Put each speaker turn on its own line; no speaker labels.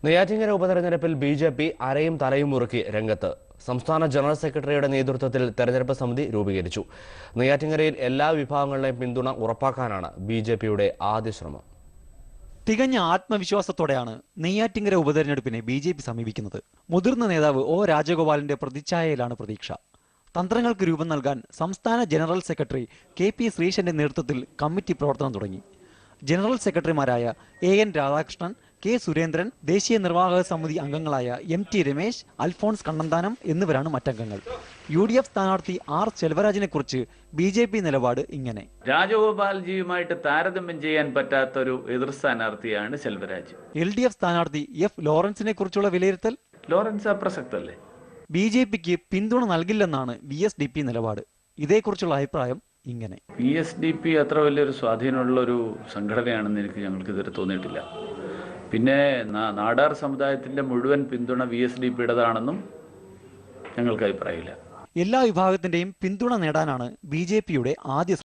നെയ്യാറ്റിൻകര ഉപതെരഞ്ഞെടുപ്പിൽ ബി.ജെ.പി അരയും തലയും മുറുക്കി രംഗത്ത്. സംസ്ഥാന ജനറൽ സെക്രട്ടറിയുടെ നേതൃത്വത്തിൽ തെരഞ്ഞെടുപ്പ് സമിതി രൂപീകരിച്ചു. നെയ്യാറ്റിൻകരയിൽ എല്ലാ വിഭാഗങ്ങളുടെയും പിന്തുണ ഉറപ്പാക്കാനാണ് ബി.ജെ.പിയുടെ ആദ്യ ശ്രമം.
തികഞ്ഞ ആത്മവിശ്വാസത്തോടെയാണ് നെയ്യാറ്റിൻകര ഉപതെരഞ്ഞെടുപ്പിനെ ബി.ജെ.പി സമീപിക്കുന്നത്. മുതിർന്ന നേതാവ് ഒ രാജഗോപാലിന്റെ പ്രതിച്ഛായയിലാണ് പ്രതീക്ഷ. തന്ത്രങ്ങൾക്ക് രൂപം നൽകാൻ സംസ്ഥാന ജനറൽ സെക്രട്ടറി കെ.പി. ശ്രീശന്റെ നേതൃത്വത്തിൽ കമ്മിറ്റി പ്രവർത്തനം തുടങ്ങി. ജനറൽ സെക്രട്ടറിമാരായ എ.എൻ. രാധാകൃഷ്ണൻ, കെ. സുരേന്ദ്രൻ, ദേശീയ നിർവാഹക സമിതി അംഗങ്ങളായ എം.ടി. രമേശ്, അൽഫോൺസ് കണ്ണന്താനം എന്നിവരാണ് മറ്റംഗങ്ങൾ. യു.ഡി.എഫ് സ്ഥാനാർത്ഥി ആർ. സെൽവരാജിനെ കുറിച്ച് ബി.ജെ.പി നിലപാട് ഇങ്ങനെ:
രാജഗോപാൽജിയുമായിട്ട് താരതമ്യം ചെയ്യാൻ പറ്റാത്തൊരു എതിർ സ്ഥാനാർത്ഥിയാണ് സെൽവരാജ്.
എൽ.ഡി.എഫ് സ്ഥാനാർത്ഥി എഫ്. ലോറൻസിനെ കുറിച്ചുള്ള വിലയിരുത്തൽ:
ലോറൻസ് അപ്രസക്തല്ലേ.
ബി.ജെ.പിക്ക് പിന്തുണ നൽകില്ലെന്നാണ് വി.എസ്.ഡി.പി നിലപാട്. ഇതേക്കുറിച്ചുള്ള അഭിപ്രായം ഇങ്ങനെ:
വി.എസ്.ഡി.പി അത്ര വലിയൊരു സ്വാധീനമുള്ള ഒരു സംഘടനയാണെന്ന് ഞങ്ങൾക്ക് ഇതുവരെ തോന്നിയിട്ടില്ല. പിന്നെ നാടാർ സമുദായത്തിന്റെ മുഴുവൻ പിന്തുണ വി.എസ്.ഡി.പിയുടേതാണെന്നും ഞങ്ങൾക്ക് അഭിപ്രായമില്ല.
എല്ലാ വിഭാഗത്തിന്റെയും പിന്തുണ നേടാനാണ് ബി.ജെ.പിയുടെ ആദ്യ